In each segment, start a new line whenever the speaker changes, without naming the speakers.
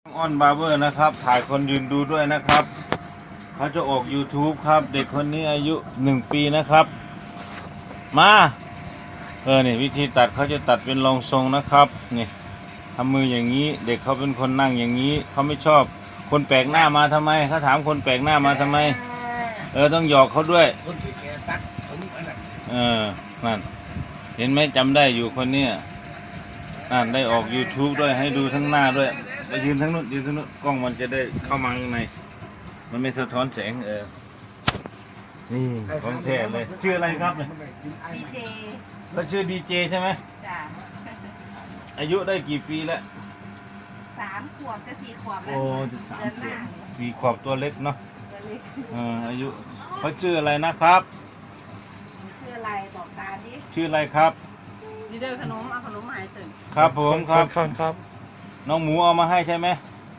อ้อนบาร์เบอร์นะครับถ่ายคนยืนดูด้วยนะครับเขาจะออก YouTube ครับเด็กคนนี้อายุ1 ปีนะครับมานี่วิธีตัดเขาจะตัดเป็นรองทรงนะครับนี่ทำมืออย่างนี้เด็กเขาเป็นคนนั่งอย่างนี้เขาไม่ชอบคนแปลกหน้ามาทำไมเขาถามคนแปลกหน้ามาทำไมต้องหยอกเขาด้วยนั่นเห็นไหมจำได้อยู่คนนี้นั่นได้ออก YouTube ด้วยให้ดูทั้งหน้าด้วยไปยืนทั้งนู้นยืนทั้งนู้นกล้องมันจะได้เข้ามาข้างในมันไม่สะท้อนแสงนี่ของแท้เลยชื่ออะไรครับเนี่ย
ดีเจ
ก็ชื่อดีเจใช่ไหม
จ้ะ
อายุได้กี่ปีแล้ว
3 ขวบจะ4 ขวบแล้
โอ้
ว
จะสาม
เดือน
ข
ห
ว
น้า
บ4 ขวบตัวเล็กเนาะ
ตัวเล็ก
อายุเขาชื่ออะไรนะครับ
ชื่ออะไรบอกตาดิ
ชื่ออะไรครับ
ดีเดอร์ขนมเอาขนมมาให้ตื่น
ครับผมครับ
ครับ
น้องหมูเอามาให้ใช่ไหม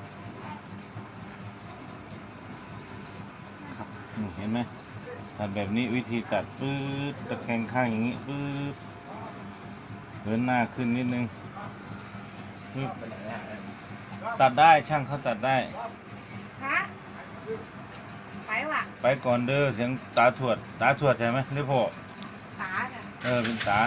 ครับเห็นไหมตัดแบบนี้วิธีตัดปื๊ดตะแคงข้างอย่างนี้ปื๊ดเหินหน้าขึ้นนิดนึงปึ๊บตัดได้ช่างเขาตัดได้
คะไปว่ะ
ไปก่อนเด้อเสียงตาถวดใช่ไหมหรือพ่อ
ตาจ้ะ
เป็นตา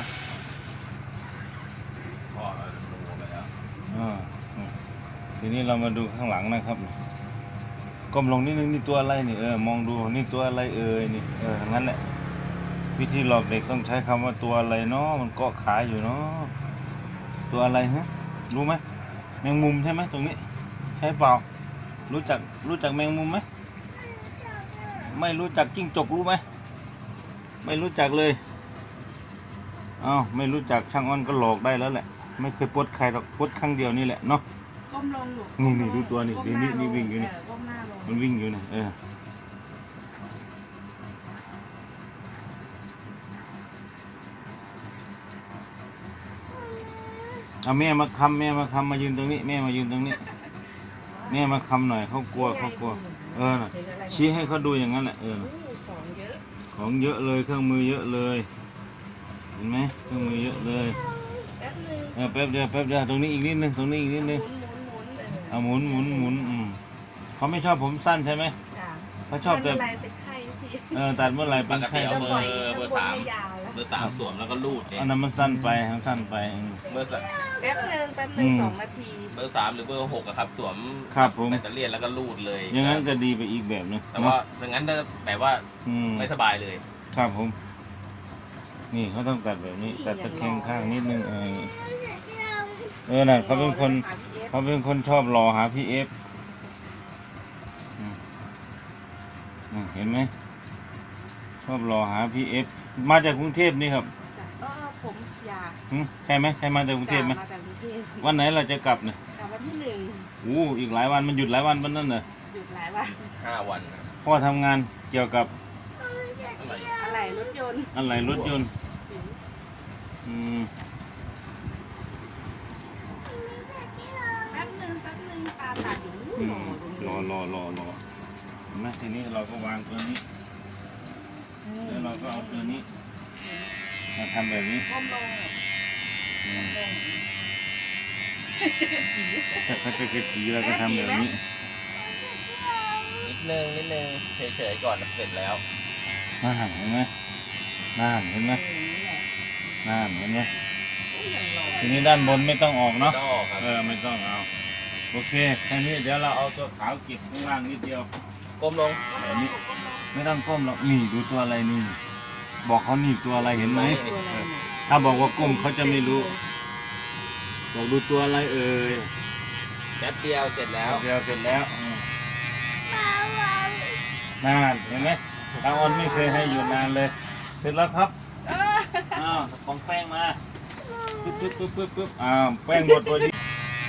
พ่อรู้ไปแล้วทีนี้เรามาดูข้างหลังนะครับก้มลงนิดนึงนี่ตัวอะไรนี่มองดูนี่ตัวอะไรนี่งั้นแหละวิธีหลอกเด็กต้องใช้คำว่าตัวอะไรเนาะมันเกาะขาอยู่เนาะตัวอะไรฮะรู้ไหมแมงมุมใช่ไหมตรงนี้ใช่เปล่ารู้จักแมงมุมไหมไม่รู้จักจิ้งจกรู้ไหมไม่รู้จักเลยไม่รู้จักช่างอ้อนก็หลอกได้แล้วแหละไม่เคยปลดใครหรอกปลดครั้งเดียวนี่แหละเนาะ
ก้มลงอยู่
นี่ดูตัวนี่
ก้มหา
นี่วิ่งอยู่นี่
ก้มหน้าลง
มันวิ่งอยู่นี่เอาแม่มาคำมายืนตรงนี้แม่มายืนตรงนี้แม่มาคำหน่อยเขากลัวน่ะชี้ให้เขาดูอย่างนั้นแหละของเยอะเลยเครื่องมือเยอะเลยเห็นไหมเครื่องมือเยอะเลยแป๊บเดียวตรงนี้อีกนิดนึงหมุนเขาไม่ชอบผมสั้นใช่ไหม
จ้ะ
เขาชอบแต่
อะไรเป็นไข้ที
ตัดเมื่อไหร่เป็นไข้
เอา
เล
เบอย ร์สาม
ไม่ยาวแล้ว
เบอร์สามสวมแล้วก็รูดเนี่ย
อันนั้นมันสั้นไป
เบอร์สาม
แป๊บนึง2 นาที
เบอร์สามหรือเบอร์หกอะครับสวม
ครับผม
แบตเตอรี่แล้วก็รูดเลย
อย่างนั้นก็ดีไปอีกแบบนึง
แต่ว่าอย่างนั้นแบบว่าไม่สบายเลย
ครับผมนี่เขาต้องตัดแบบนี้ตัดตะแคงข้างนิดนึงน่ะเขาเป็นคนชอบรอหาพี่เอฟเห็นไหมชอบรอหาพี่เอฟมาจากกรุงเทพนี่ครับ
ผมอยาก
ใช่ไหมใช่มาจากกรุงเทพไหม
มาจากกรุงเทพ
วันไหนเราจะกลับเนี่ย
กลับวันที่1
อีกหลายวันมันหยุดหลายวันวันนั้นเหรอ
หยุดหลายวัน
5 วัน
พ่อทำงานเกี่ยวกับ
อะไรรถยนต์
อะไรรถยนต์
แป๊บนึงตาตัดอยู่
รอนะทีนี้เราก็วางตัวนี้แล้วเราก็เอาตัวนี้มาทำแบบนี้
ก้มลง
ถ้าเขาจะกระตีเราก็ทำแบบนี้
นิดนึงเฉยๆก่อนเสร็จแล้ว
เห็นไหมเห็นไหมทีนี้ด้านบนไม่ต้องออกเนาะ
ต้องออกครับ
ไม่ต้องเอาโอเคแค่นี้เดี๋ยวเราเอาตัวขาวเก็บข้างล่างนิดเดียว
ก้มลง
แบบนี้ไม่ต้องก้มหรอกนี่ดูตัวอะไรนี่บอกเขานี่ตัวอะไรเห็นไหมถ้าบอกว่าก้มเขาจะไม่รู้บอกดูตัวอะไร
แป๊บเดียวเสร็จแล้ว
เดียวเสร็จแล้วนานเห็นไหมตาออนไม่เคยให้อยู่นานเลยเสร็จแล้วครับของแป้งมาปึ๊บแป้งหมดพอดี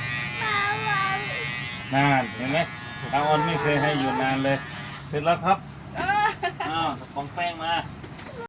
นานเห็นไหมตาออนไม่เคยให้อยู่นานเลยเสร็จแล้วครับของแป้งมา